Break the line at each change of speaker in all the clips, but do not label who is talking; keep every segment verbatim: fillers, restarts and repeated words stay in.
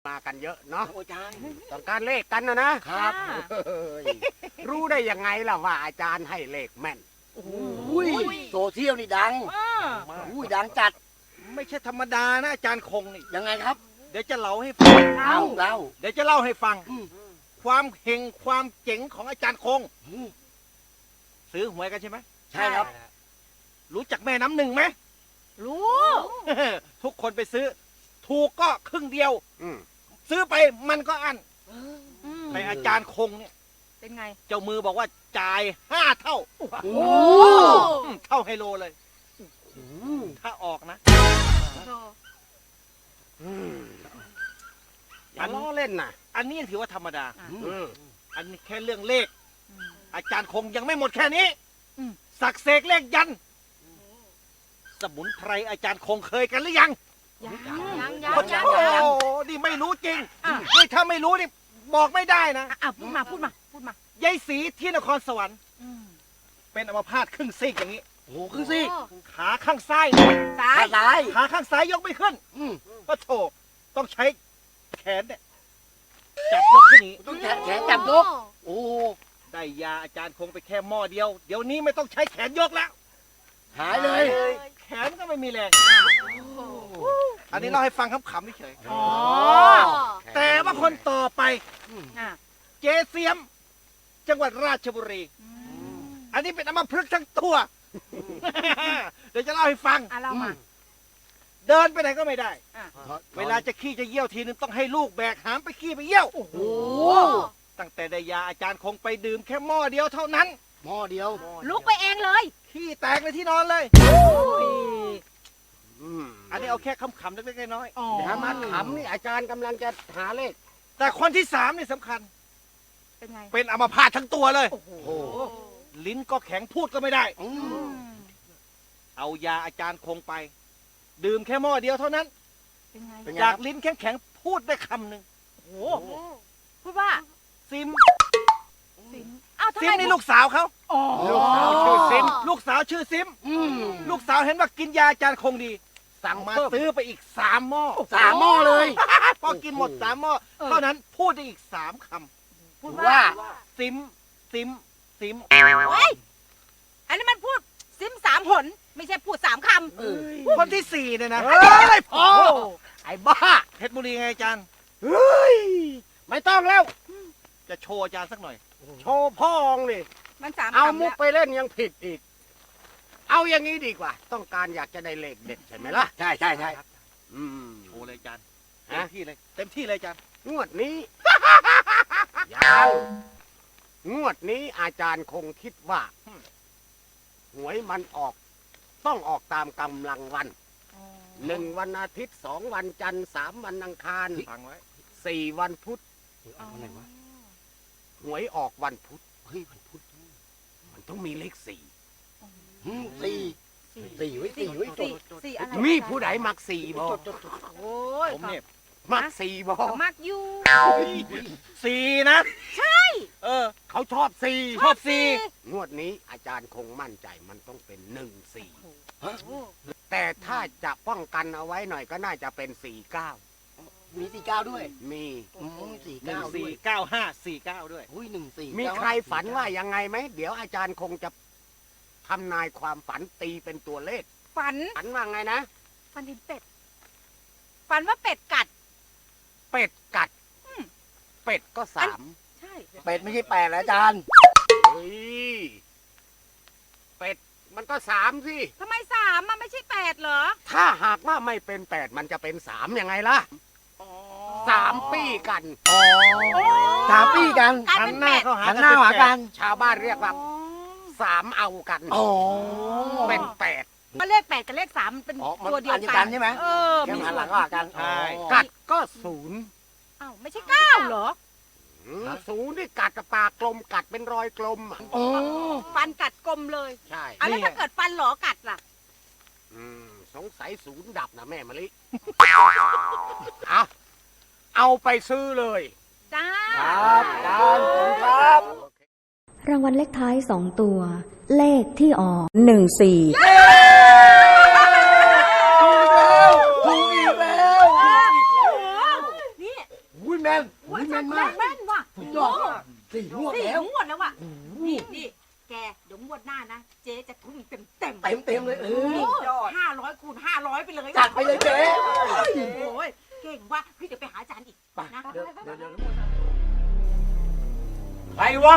มากันเยอะเนาะ
อาจารย์
ต้องการเลขกันนะนะครับรู้ได้ยังไงล่ะว่าอาจารย์ให้เลขแม่น
อุ้ยโซเชียลนี่ดังอุ้ยดังจัด
ไม่ใช่ธรรมดานะอาจารย์คงนี่
ยังไงครับ
เดี๋ยวจะเล่าให้ฟัง
เล่าเล่า
เดี๋ยวจะเล่าให้ฟังความเฮงความเจ๋งของอาจารย์คงซื้อหวยกันใช่ไหม
ใช่ครับ
รู้จักแม่น้ำหนึ่งไหม
รู้
ทุกคนไปซื้อถูกก็ครึ่งเดียวซื้อไปมันก็อั้นแต่อาจารย์คงเนี่ย
เป็นไง
เจ้ามือบอกว่าจ่ายห้าเท่า
โอ้
เท่าไฮโลเลยถ้าออกนะ
อย่าล้อเล่นนะ
อันนี้ถือว่าธรรมดาอันนี้แค่เรื่องเลขอาจารย์คงยังไม่หมดแค่นี้สักเสกเลขยันสมุนไพรอาจารย์คงเคยกันหรือยัง
ยังยังยัง
ยังโอ้นี่ไม่รู้จริงนี่ถ้าไม่รู้นี่บอกไม่ได้นะ
อ่ะพูดมาพูดมาพูดม
ายายศรีที่นครสวรรค์เป็นอัมพาตครึ่งซีกอย่างนี้
โอ้ครึ่งซีก
ขาข้างซ้าย
ซ้าย
ซ้าย
ขาข้างซ้ายยกไม่ขึ้นก็โถต้องใช้แขนเนี่ยจับยกขึ้นนี้
ต้องแขนแขนจับยกโอ้
ได้ยาอาจารย์คงไปแค่หม้อเดียวเดี๋ยวนี้ไม่ต้องใช้แขนยกแล้ว
หายเลย
แขนก็ไม่มีแรงอันนี้เล่าให้ฟังขำๆเฉยๆแต่ว่าคนต่อไปเจเสียมจังหวัดราชบุรีอันนี้เป็นอัมพฤกษ์ทั้งตัวเดี๋ยวจะเล่าให้ฟังเดินไปไหนก็ไม่ได้เวลาจะขี้จะเยี่ยวทีนึงต้องให้ลูกแบกหามไปขี้ไปเยี่ยวตั้งแต่ได้ยาอาจารย์คงไปดื่มแค่หม้อเดียวเท่านั้น
หม้อเดียว
ลุกไปเองเลย
ขี้แตกในที่นอนเลยอันนี้เอาแค่คำๆเล็กๆน้อย
ๆอย่ามาขำนี่อาจารย์กำลังจะหาเลข
แต่คนที่สามนี่สำคัญ
เป็นไง
เป็นอัมพาตทั้งตัวเลยลิ้นก็แข็งพูดก็ไม่ได้เอายาอาจารย์คงไปดื่มแค่หม้อเดียวเท่านั้นจากลิ้นแข็งๆพูดได้คำหนึ่ง
พูดว่า
ซิม
ซิม
ซิมนี่ลูกสาวเขา
ลูกสาวชื่อซิม
ลูกสาวชื่อซิมลูกสาวเห็นว่ากินยาอาจารย์คงดีสั่งมาซื้อไปอีกสามหม้อ
สามหม้อเลย
พอกินหมดสามหม้อเท่านั้นพูดได้อีกสามคำ
พูดว่า
ซิมซิมซิม
เฮ้ยอันนี้มันพูดซิมสามผลไม่ใช่พูดสามคำ
คนที่สี่เนี่ยนะ
ไอ้พ่อไอ้บ้า
เพชรบุรีไงอาจารย์
เฮ้ยไม่ต้องแล้ว
จะโชว์อาจารย์สักหน่อย
โชว์พ่องนี่
มันสาม
เอามุกไปเล่นยังผิดอีกเอาอย่างนี้ดีกว่าต้องการอยากจะได้เลขเด็ดใช่ไหมล่ะ
ใช่ใช่ใช่
โชว์เลยอาจารย์เต็มที่เลยเต็มที่เลยอาจารย์
งวดนี้ยังงวดนี้อาจารย์คงคิดว่าหวยมันออกต้องออกตามกำลังวันหนึ่งวันอาทิตย์สองวันจันทร์สามวันอังคารสี่วันพุธ
อะไรวะ
หวยออกวันพุธเฮ้ยวันพุธมันต้องมีเลขสี่
สี่สี่ไว้สี่ไว้จด
มีผู้ใดมักสี่บ่
โอ้ย
ผมเนี่ยมักสี่บ่
มักอยู่
สี่นะ
ใช่
เออ
เขาชอบสี่
ชอบสี่
งวดนี้อาจารย์คงมั่นใจมันต้องเป็นหนึ่งสี่แต่ถ้าจะป้องกันเอาไว้หน่อยก็น่าจะเป็นสี่เก้า
มีสี่เก้าด้วย
มี
สี่เก้า
สี่เก้าห้าสี่เก้าด้วย
อุ้ยหนึ่งสี่
มีใครฝันว่ายังไงไหมเดี๋ยวอาจารย์คงจะทำนายความฝันตีเป็นตัวเลข
ฝัน
ฝันว่าไงนะ
ฝันเห็นเป็ดฝันว่าเป็ดกัด
เป็ดกัดเป็ดก็สาม
ใช่
เป็ดไม่ใช่แปดอาจารย์
เฮ้ยเป็ดมันก็สามสิ
ทำไมสามมันไม่ใช่แปดเหรอ
ถ้าหากว่าไม่เป็นแปดมันจะเป็นสามยังไงล่ะสามปีกัน
สามปีกัน
หัน
หน้าเขาหันหน้าหากัน
ชาวบ้านเรียกว่าสามเอากันเป็นแปด
เลขแปดกับเลขสามเป็นตัวเดียวกัน
ใช่ไหม
เออ
มีหันหลังหากัน
กัดก็ศูนย์
อ้าวไม่ใช่เก้าเหรอ
ศูนย์นี่กัดกับปากกลมกัดเป็นรอยกลม
ฟันกัดกลมเลย
ใช่
แล้วถ้าเกิดฟันหลอกัดล่ะ
สงสัยศูนย์ดับนะแม่มะลิเอาเอาไปซื้อเลย
จ้า
ครับครับ
รางวัลเลขท้ายสองตัว เลขที่ออกหนึ่งสี่
ถูกอีกแล้ว
นี่
ม่นมาก
แม่นว่ะ
สุดยอดสี่งวด
สี่
แล้ว
งวดแล้วว่ะนี่นี่แกเดี๋ยวงวดหน้านะเจ๊จะทุ่มเต็มเต็ม
เต็มเต็มๆเลยเออ
ห้าร้อยคูณห้าร้อยไปเลย
จัดไปเลยเจ๊
โอ้ยเก่งว่ะพี่เดี๋ยวไปหาอาจารย์อีก
ไป
นะ
เดี๋ยวเดี๋ยวเดี๋ยว
ใครวะ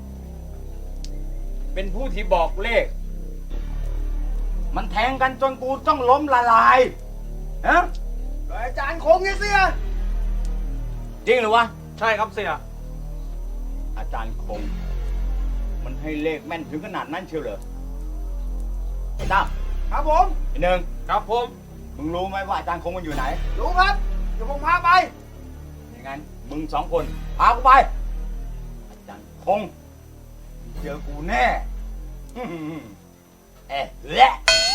เป็นผู้ที่บอกเลข มันแทงกันจนกูต้องล้มละลายฮะ
อาจารย์คงไงเสีย
จริงหรือวะ
ใช่ครับเสีย
อาจารย์คง มันให้เลขแม่นถึงขนาดนั้นเชียวเหรอไอ้ตั้ม
ครับผม
ไอ้หนึ่ง
ครับผม
มึงรู้ไหมว่าอาจารย์คงมันอยู่ไหน
รู้ครับ เดี๋ยวผมพาไป
อย่างนั้นมึงสองคนพากูไป อาจารย์คงเจอกูแน่ อื้อหือเอ๊ะแหละ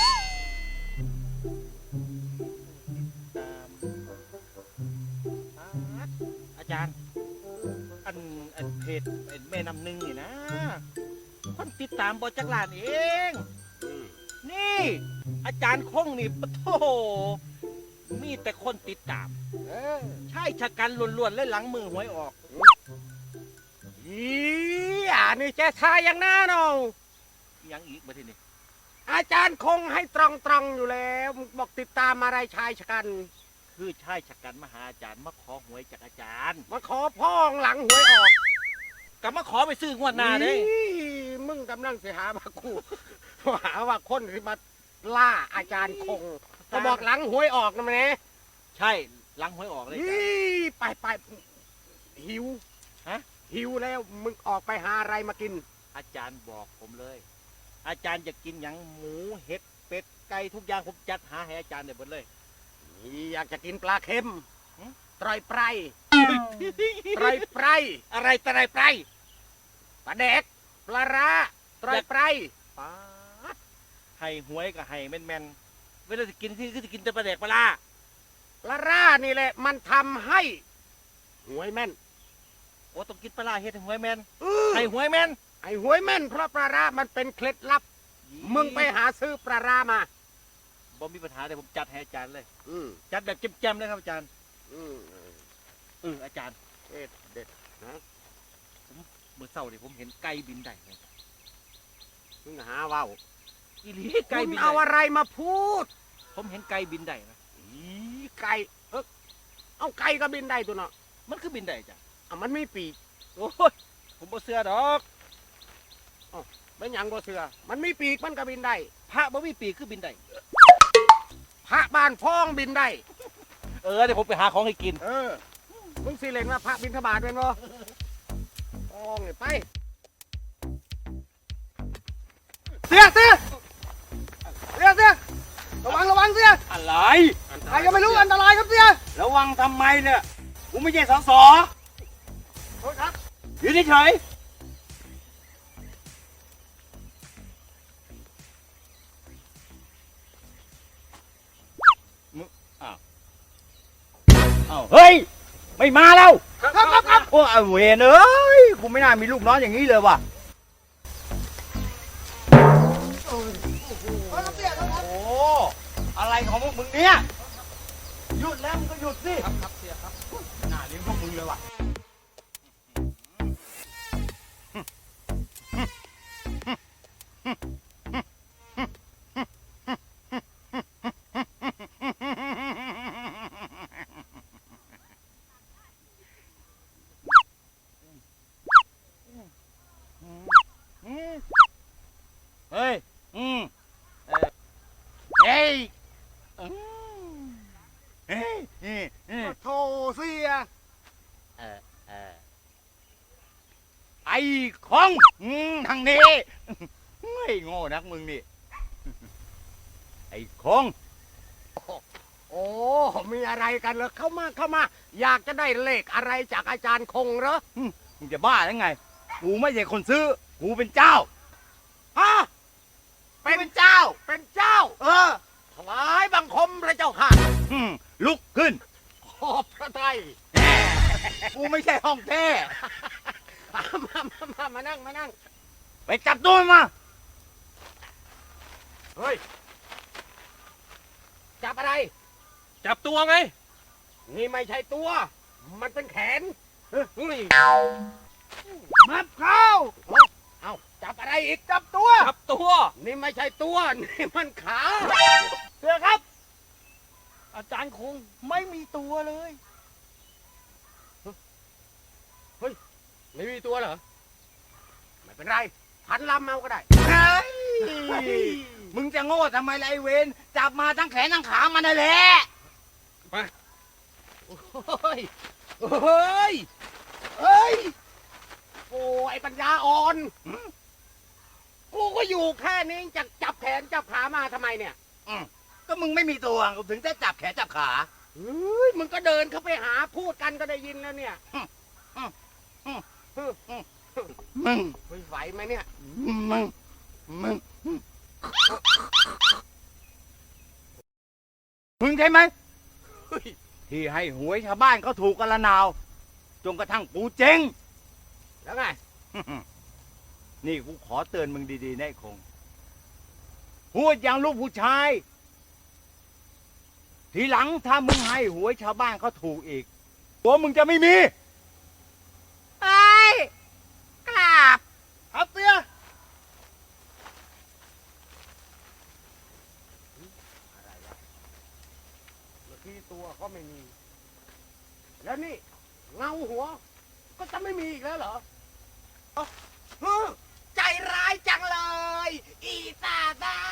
อาจารย์ อันอันเพจไอ้แม่น้ำหนึ่งนี่นะ คนติดตามบอจักรลานเอง นี่ อาจารย์คงนี่ปะโถมีแต่คนติดตาม ใช่ชะกันล้วนๆเลยหลังมือหวยออก
อีอ่านี่แกทายอย่างหน้าเนาะ
ยังอีกมาทีนี้
อาจารย์คงให้ตรองตรองๆอยู่แล้วบอกติดตามอะไรชายชะกัน
คือใช่ชะกันมาหาอาจารย์มาขอหวยจากอาจารย์
มาขอพ่องหลังหวยออก
ก็มาขอไปซื้องวดหน้าเด้
อีมึงกำลังเสียหามากู หาว่าคนที่มาล่าอาจารย์คงก็บอกหลังหวยออกนะมันเนี่ย
ใช่หลังหวยออกเลยอาจารย์
ไปไปหิว
ฮะ
หิวแล้วมึงออกไปหาอะไรมากิน
อาจารย์บอกผมเลย อาจารย์จะกินหยังหมูเห็ดเป็ดไก่ทุกอย่างผมจัดหาให้อาจารย์เดี๋ยวหมดเลย
อยากจะกินปลาเค็ม
หึ
ตรอยไพรตรอยไพร
อะไรแต่ไรไป
ปลาแดกปลาร้าตรอยไพร
ป๊าดให้หวยกับให้แม่นแม่นๆเวลาจะกินที่ก็จะกินแต่ปลาแดกปลาล่า
ปลาร้านี่แหละ มันทำให้หวยแม่น
โอ้ต้องกินปลาล่าเฮ็ดให้หวยแม่น
อื้อ
ให้หวยแม่น
ไอ้หวยแม่นเพราะปลาร้ามันเป็นเคล็ดลับ มึงไปหาซื้อปลาร้ามา
บ่มีปัญหาเดี๋ยวผมจัดให้อาจารย์เลย
อืม
จัดแบบแจมๆเลยครับอาจารย์
อืม
เอออาจารย์
เอ็ดเด็ดนะ
เมื่อเช้านี่ผมเห็นไก่บินได้เลย
มึงหาว่าว
อีหลีไก่
คุณ
บิน
เอา
ได้
อะไรมาพูด
ผมเห็นไก่บินได้นะ
อีไก่เออเอาไก่ก็บินได้ตัวเนาะ
มันคือบินได้จ้ะ
อ่ะมันไม่ปีก
โอ้ยผมบ่เชื่อดอก
เป็นหยังก็เสือมันมีปีกมันก็บินได้
พระบ่มีปีกคือบินได้
พระบ้านพ้องบินได้
เออเดี๋ยวผมไปหาของให้กิน
เออ มึงสิเล่นว่าพระบินทบาทเป็นบ่พ้องเลยไป เสียเสียเสียเสียระวังระวังเสีย
อะไร
ใครก็ไม่รู้อันตรายครับเสีย
ระวังทำไมเนี่ย กูไม่ใช่สส
โทษครับ
อยู่เฉยมึงอ้าวอ้าวเฮ้ย ไม่มาแล้ว
ครับครับครับ
โอ้ยเวรเอ้ย กูไม่น่ามีลูกน้องอย่างนี้เลยว่ะ โอ้อะไรของพวกมึงเนี่ย หยุดแล้วมึงก็หยุดสิ
ครับครับเสียครับ
น่าเลี้ยงพวกมึงเลยว่ะ เฮ้ย อืมเออเฮ้ยอืมเฮ้ยนี่นี่
โธ่เสีย
เออเออไอ้ของอืมทางนี้ไม่โง่นักมึงนี่ ไอ้คง
โอ้ มีอะไรกันเหรอเข้ามาเข้ามา อยากจะได้เลขอะไรจากอาจารย์คงเหรอ
มึงจะบ้าหรือไง กูไม่ใช่คนซื้อ กูเป็นเจ้า
ฮะ เป็นเจ้า เป็นเจ้า เออ ถวายบังคมพระเจ้าค่ะ
อืมลุกขึ้น
ขอบพระทัย
กูไม่ใช่ห้องแท้
มามามามานั่ง มานั่ง
ไปจับตัวมันมา
เฮ้ย จับอะไร
จับตัวไง
นี่ไม่ใช่ตัว มันเป็นแขน
มับเข้า
เอาจับอะไรอีก
จับตัว
จับตัว
นี่ไม่ใช่ตัว นี่มันขา
เสือครับ อาจารย์คงไม่มีตัวเลย
ไม่มีตัวเหรอ ไม่เป็นไร พันลำเอาก็ได้
เฮ้ยมึงจะโง่ทำไมล่ะไอ้เวนจับมาทั้งแขนทั้งขามันนั่นแหละ
โอ้ยเฮ้ย เฮ้ย โอ้ไอ้ปัญญาอ่อน กูก็อยู่แค่นี้จะจับแขนจับขามาทำไมเนี่ย
ก็มึงไม่มีตัวถึงจะจับแขนจับขา
เฮ้ย มึงก็เดินเข้าไปหาพูดกันก็ได้ยินแล้วเนี่ย
มึง
เฮ้ยไหวไหมเนี่ย
มึง มึง มึงใช่ไหม
เฮ้ย
ที่ให้หวยชาวบ้านเขาถูกกันละนาว จนกระทั่งกูเจ๊ง
แล้วไง
นี่กูขอเตือนมึงดีๆนะไอ้คง พูดอย่างลูกผู้ชาย ทีหลังถ้ามึงให้หวยชาวบ้านเขาถูกอีกตัวมึงจะไม่มี
เฮ้ยกราบ
ครับเสือ
อะไรวะเมื่อกี้ตัวก็ไม่มี แล้วนี่ เงาหัว ก็จะไม่มีอีกแล้วเหรอเฮ้อใจร้ายจังเลย อีตาตา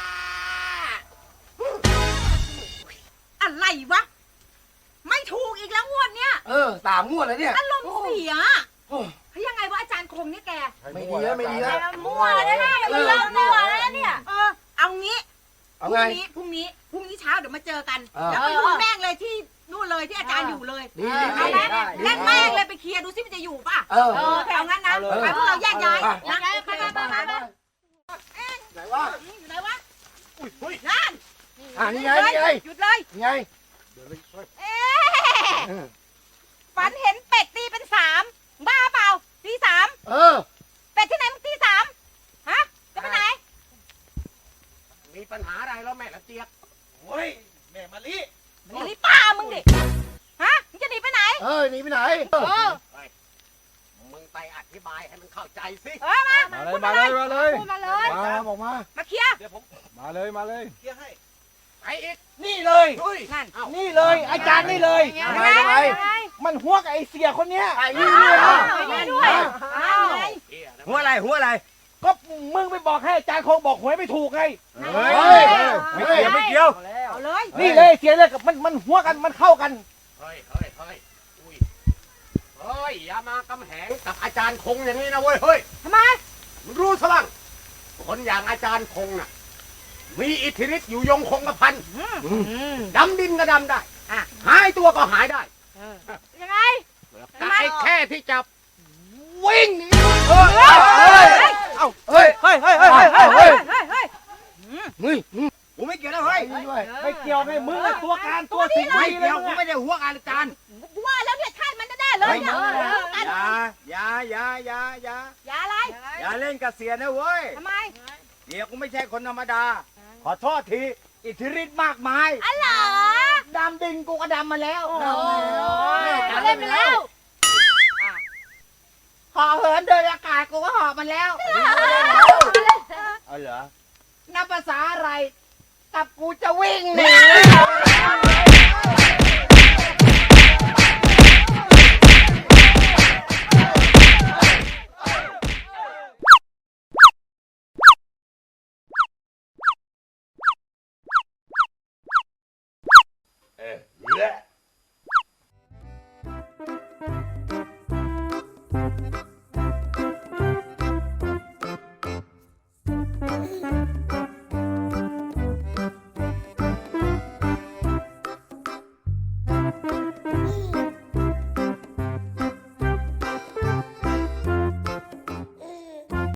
อะไรวะ ไม่ถูกอีกแล้วงวดเนี้ย
เออสามงวดแล้วเนี่ย
อารมณ์เสีย
โอ้
เฮ้ยยังไงวะอาจารย์คงเนี่ยแก
ไม่ดีแล้วไม่ดีแล้ว
มั่วแล้วนะอย่าไปเลิกมั่วแล้วเนี่ยเออเอางี้พ
เอา
รุ่
ไง
งนี้พรุ่งนี้พรุ่งนี้เช้าเดี๋ยวมาเจอกัน
เออ
แล้วไปดูแม่งเลยที่นู่นเลยที่อาจารย์อยู่เลย
ดี
เอาไหม
ได้
เล่นแม่งเลยไปเคลียร์ดูซิมันจะอยู่ป่ะ
เออ
เออเอางั้นนะ
เอาเลย
ไปพวกเราแยกย้าย
เอาเลย
นะไปไปไปไปไป
ไหนวะ
อยู่ไหนวะ
อุ้ยเฮ้ย
นั่น
อ่านี่ไงนี่ไง
หยุดเลย
นี่ไง
เดี๋ยวเลยเฮ้ย
เอ๊ะฝันเห็นเป็ดตีเป็นสามบ้าเปล่าตีสาม
เออ
เป็ดที่ไหนมึงตีสามฮะจะไปไหน
มีปัญหาอะไรแล้วแม่ละเจี๊ยบ
โอ้ย แม่มะลิ
มึงรีบป้ามึงดิฮะมึงจะหนีไปไหน
เออหนีไปไหนเออ
เออ
มึงไปอธิบายให้มันเข้าใจสิ
เออมา
มาเลยมาเลยมาเลย
พูดมาเลย
มาบอกมา
มาเคลียร์
เดี๋ยวผม
มาเลยมาเลย
เคลียร์ให้
ไปอีก
นี่เลย
เฮ้ย
นั่น
เอ้า
นี่เลย อาจารย์นี่เลย
ทำไมทำไม
มันหัวกับไอเสียคนเนี้ย
ไอ้นี่ด้วย
อ้า
นะ
วนี่ด้วยอ้าวไง
เหี้ยนะ
หัวอะไรหัวอะไร
ก็มึงไปบอกให้อาจารย์คงบอกหวยไม่ถูกไง
เฮ้ย
เฮ้ย
ไม่เกี่ยวไม่เกี่ยว
เอาเลย
นี่เลยเสียเลยกับมันมันหัวกันมันเข้ากัน
เฮ้ยเฮ้ยเฮ้ยอุ้ยเฮ้ย อย่ามากำแหงกับอาจารย์คงอย่างนี้นะเว้ย เฮ้ย
ทำไม
มึงรู้สลังคนอย่างอาจารย์คงน่ะ มีอิทธิฤทธิ์อยู่ยงคงกระพันดำดินก็ดำได้
อ่ะ
หายตัวก็หายได้
ยังไง
แต่ไอ้แค่ที่จับวิ่งหนี
เฮ้ยเฮ้ย
เฮ้ยเฮ้ยเฮ้ยเฮ้ยเฮ้ย
เฮ้ย
เฮ้ยเฮ้ย
เฮ้ย
กูไม่เกี่ยวนะเฮ้ย
นี่ด้วย
ไม่เกี่ยวไงมึงอะตัวการตัวสิง
ไม่
ดีเล
เกี่
ย
ยว
มึ
กู
ง
ไม่ได้หัวกันอาจารย์
ว่าแล้วเนี่ยท่านมันแน่ๆเลยเนี่ย
เฮ้ย
เออกัน
อย่าอย่าอย่าอย่าอย่า
อย่าอะไร
อย่าเล่นกับเสียนะเว้ย
ทำไม
เดี๋ยวกูไม่ใช่คนธรรมดา ขอโทษที อิทธิฤทธิ์มากมาย
อ๋อเหรอ
ดำดินกูก็ดำมาแล้ว
โอ้ยเล่นไปแล้ว
หอเหินเดินอากาศกูก็หอบมันแล้ว เอาเหรอนับภาษาอะไร กับกูจะวิ่งหนี